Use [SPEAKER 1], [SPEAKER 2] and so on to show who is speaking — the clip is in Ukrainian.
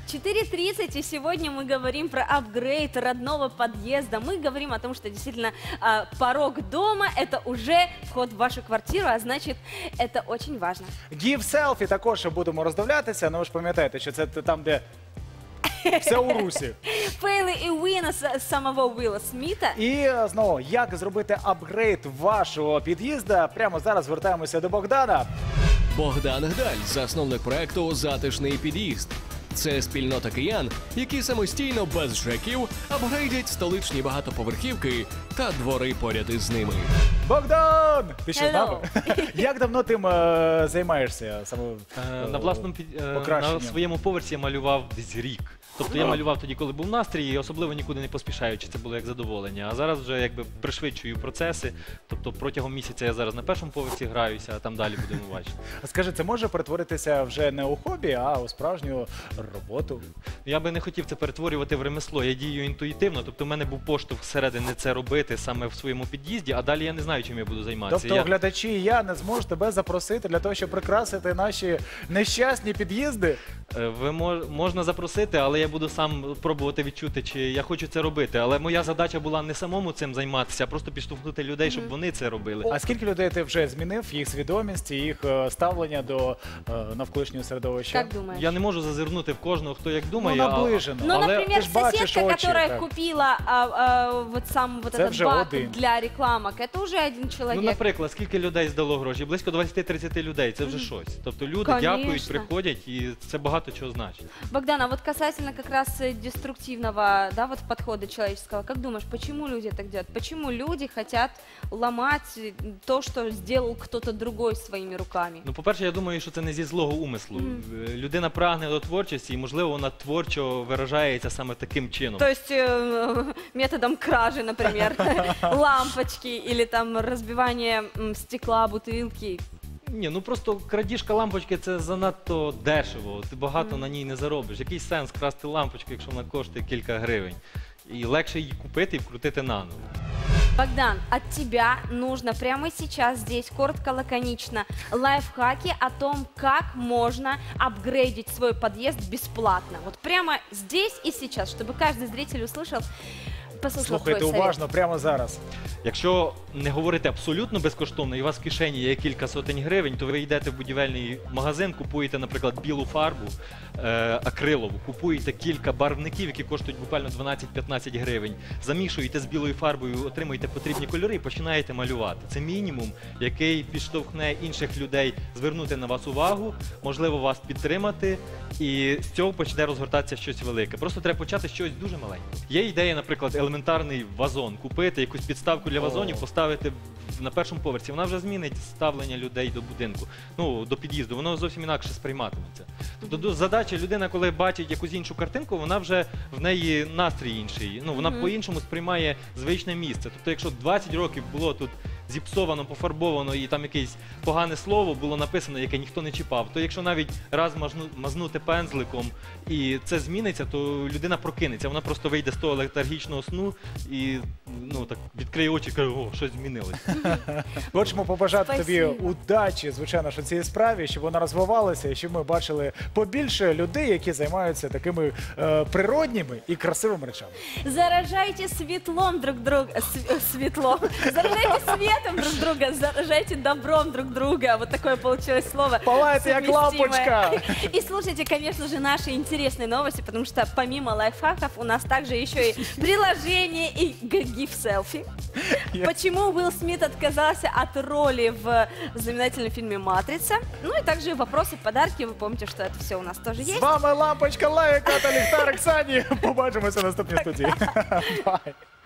[SPEAKER 1] 4:30, и сегодня мы говорим про апгрейд родного подъезда. Мы говорим о том, что действительно порог дома – это уже вход в вашу квартиру, а значит, это очень важно.
[SPEAKER 2] Give селфі також будемо роздивлятися, але ви ж пам'ятаєте, що це там, де все у русі.
[SPEAKER 1] Фейли і вина самого Вілла Сміта.
[SPEAKER 2] І знову, як зробити апгрейд вашого під'їзду? Прямо зараз звертаємося до Богдана.
[SPEAKER 3] Богдан Гдаль, засновник проекту «Затишний під'їзд». Це спільнота киян, які самостійно, без ЖЕКів, апгрейдять столичні багатоповерхівки та двори поряд із ними.
[SPEAKER 2] Богдан! Ти що з
[SPEAKER 1] Hello.
[SPEAKER 2] нами? Як давно тим займаєшся? Саме
[SPEAKER 4] На власному на своєму поверсі я малював десь рік. Тобто я малював тоді, коли був настрій, і особливо нікуди не поспішаючи, це було як задоволення. А зараз вже якби пришвидшую процеси. Тобто протягом місяця я зараз на першому поверсі граюся, а там далі будемо бачити.
[SPEAKER 2] Скажи, це може перетворитися вже не у хобі, а у справжню роботу?
[SPEAKER 4] Я би не хотів це перетворювати в ремесло. Я дію інтуїтивно, тобто в мене був поштовх зсередини це робити саме в своєму під'їзді, а далі я не знаю, чим я буду займатися.
[SPEAKER 2] Тобто глядачі і я не зможу тебе запросити для того, щоб прикрасити наші нещасні під'їзди?
[SPEAKER 4] Можна запросити, але я буду сам пробувати відчути, чи я хочу це робити. Але моя задача була не самому цим займатися, а просто підштовхнути людей, щоб вони це робили.
[SPEAKER 2] А скільки людей ти вже змінив, їх свідомість, їх ставлення до навколишнього середовища?
[SPEAKER 1] Как думаешь?
[SPEAKER 4] Я не можу зазирнути в кожного, хто як
[SPEAKER 2] Ну,
[SPEAKER 4] думає.
[SPEAKER 2] наближено.
[SPEAKER 1] Ну,
[SPEAKER 4] Але
[SPEAKER 1] например,
[SPEAKER 2] ти ж бачиш
[SPEAKER 1] соседка,
[SPEAKER 2] очі,
[SPEAKER 1] которая
[SPEAKER 2] так.
[SPEAKER 1] купила вот сам вот
[SPEAKER 2] Це
[SPEAKER 1] этот
[SPEAKER 2] вже
[SPEAKER 1] бак
[SPEAKER 2] один.
[SPEAKER 1] для рекламок, это уже один
[SPEAKER 4] Ну,
[SPEAKER 1] человек.
[SPEAKER 4] наприклад, скільки людей здало гроші? Близько 20-30 людей, це вже щось. Тобто люди
[SPEAKER 1] Конечно.
[SPEAKER 4] дякують, приходять, і це багато чого значить.
[SPEAKER 1] Богдан, а вот касательно как раз деструктивного, да, вот подхода человеческого, как думаешь, почему люди так делают? Почему люди хотят ломать то, что сделал кто-то другой своими руками?
[SPEAKER 4] Ну, по-перше, я думаю, що це не зі злого умислу. Людина прагне до творчості, і, можливо, вона творчо виражається саме таким чином.
[SPEAKER 1] То есть методом кражи, например, лампочки или там разбивание стекла, бутылки.
[SPEAKER 4] Ні, ну просто крадіжка лампочки – це занадто дешево. Ти багато на ній не заробиш. Який сенс красти лампочку, якщо вона коштує кілька гривень? І легше її купити і вкрутити наново.
[SPEAKER 1] Богдан, от тебя нужно прямо сейчас здесь, коротко, лаконично, лайфхаки о том, как можно апгрейдить свой подъезд бесплатно. Вот прямо здесь и сейчас, чтобы каждый зритель услышал, послушал твой
[SPEAKER 2] Слухайте
[SPEAKER 1] совет.
[SPEAKER 2] уважно, прямо зараз.
[SPEAKER 4] Якщо не говорити абсолютно безкоштовно, і у вас в кишені є кілька сотень гривень, то ви йдете в будівельний магазин, купуєте, наприклад, білу фарбу акрилову, купуєте кілька барвників, які коштують буквально 12-15 гривень, замішуєте з білою фарбою, отримуєте потрібні кольори і починаєте малювати. Це мінімум, який підштовхне інших людей звернути на вас увагу, можливо, вас підтримати, і з цього почне розгортатися щось велике. Просто треба почати з чогось дуже маленького. Є ідея, наприклад, елементарний вазон, купити якусь підставку для вазонів, поставити на першому поверсі. Вона вже змінить ставлення людей до будинку, ну, до під'їзду. Воно зовсім інакше сприйматиметься. Тобто задача людина, коли бачить якусь іншу картинку, вона вже в неї настрій інший. Ну, вона по-іншому сприймає звичне місце. Тобто, якщо 20 років було тут зіпсовано, пофарбовано і там якесь погане слово було написано, яке ніхто не чіпав, то якщо навіть раз мазнути пензликом і це зміниться, то людина прокинеться. Вона просто вийде з того летаргічного сну і ну, так, відкриє очі і каже, о, щось змінилось.
[SPEAKER 2] Хочемо побажати тобі
[SPEAKER 1] Спасибо.
[SPEAKER 2] удачі, звичайно, що в цій справі, щоб вона розвивалася і щоб ми бачили побільше людей, які займаються такими природніми і красивими речами.
[SPEAKER 1] Заражайте светлом друг друга, светлом, заражайте светом друг друга, заражайте добром друг друга. Вот такое получилось слово.
[SPEAKER 2] Палайте як
[SPEAKER 1] совместимое.
[SPEAKER 2] лампочка!
[SPEAKER 1] И слушайте, конечно же, наши интересные новости, потому что помимо лайфхаков у нас также еще и приложение и GIF селфи. Почему Уилл Смит отказался от роли в знаменательном фильме «Матрица». Ну и также вопросы, подарки. Вы помните, что это все у нас тоже
[SPEAKER 2] З
[SPEAKER 1] есть.
[SPEAKER 2] вами лампочка, лайка та ліхтарик Сані. Побачимося в наступній студії. Бай!